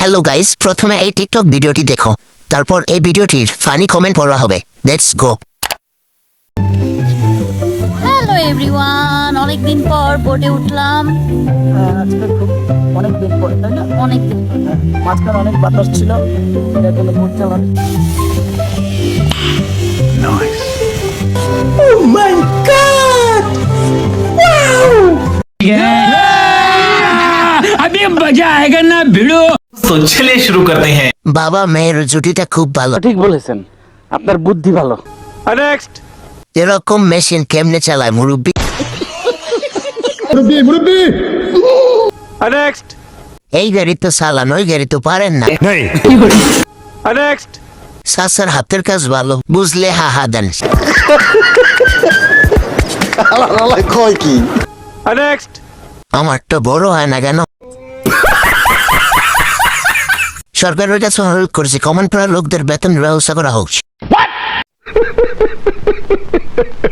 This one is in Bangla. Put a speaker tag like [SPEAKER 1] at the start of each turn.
[SPEAKER 1] হ্যালো গাইস, প্রথমে এই টিকটক ভিডিওটি দেখো, তারপর এই ভিডিওটির ফানি কমেন্ট পড়া হবে। Let's go.
[SPEAKER 2] হ্যালো এভরিওয়ান, অনেকদিন পর বোটে উঠলাম।
[SPEAKER 3] আজকে খুব অনেক দিন পরে, তাই না?
[SPEAKER 2] অনেক দিন
[SPEAKER 3] মাঝখানে অনেক বাতাস ছিল, এটার জন্য বোট চালানো।
[SPEAKER 4] अभी मजा आएगा ना भिड़ो।
[SPEAKER 5] तो चलिए शुरू करते हैं।
[SPEAKER 1] বাবা মেয়ের জুটিটা খুব ভালো।
[SPEAKER 3] ঠিক বলেছেন, আপনার বুদ্ধি ভালো।
[SPEAKER 1] এরকম মেশিন কেমনে চালায় মুরব্বি? এই গাড়ি তো চালান, ওই গাড়ি তো পারেন না। সাসার হাতের কাজ ভালো, বুঝলে হা দেন। আমার তো বড় হয় না কেন? সরকারের কাছে অনুরোধ করেছি কমন পড়া লোকদের বেতন ব্যবস্থা করা হোক।